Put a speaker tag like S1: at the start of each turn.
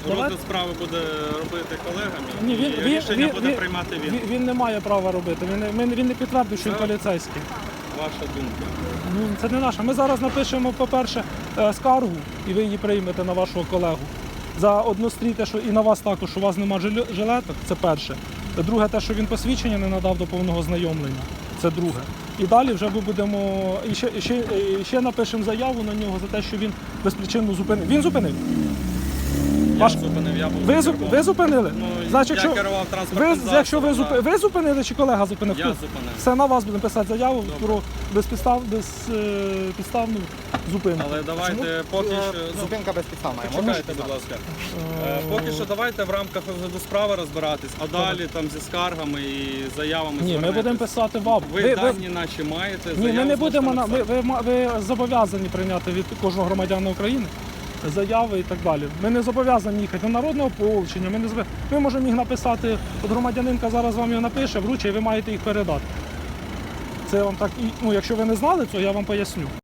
S1: Розгляд справи буде робити колегами,
S2: Ні,
S1: і рішення буде приймати він.
S2: Він не має права робити, він не підтвердив, що він поліцейський.
S1: Ваша думка.
S2: Ну, це не наша. Ми зараз напишемо, по-перше, скаргу, і ви її приймете на вашого колегу. За однострій те, що і на вас також, що у вас немає жилеток, це перше. Друге, те, що він посвідчення не надав до повного знайомлення, це друге. І далі вже ми будемо, ще напишемо заяву на нього за те, що він безпричинно зупинив. Він зупинив?
S1: Я зупинив, я був
S2: Ви зупинили?
S1: Ну,
S2: Значить,
S1: я керував транспортним засобом.
S2: якщо ви зупинили чи колега зупинив?
S1: Я зупинив.
S2: Все, на вас будемо писати заяву про безпідставну зупинку.
S1: Але давайте поки що...
S3: Зупинка безпідставна.
S1: Почекайте, будь ласка. Поки що давайте в рамках розгляду справи розбиратись, а далі там зі скаргами і заявами
S2: Ні, ми
S1: звернетесь.
S2: будемо писати вам.
S1: Ви дані наче маєте,
S2: Ні, ми
S1: заяву
S2: не будемо,
S1: зможете написати.
S2: ви зобов'язані прийняти від кожного громадянина України заяви і так далі. Ми не зобов'язані їхати на народне ополчення, ми можемо їх написати, от громадянинка зараз вам його напише, вручить, і ви маєте їх передати. Це вам так, якщо ви не знали цього, я вам поясню.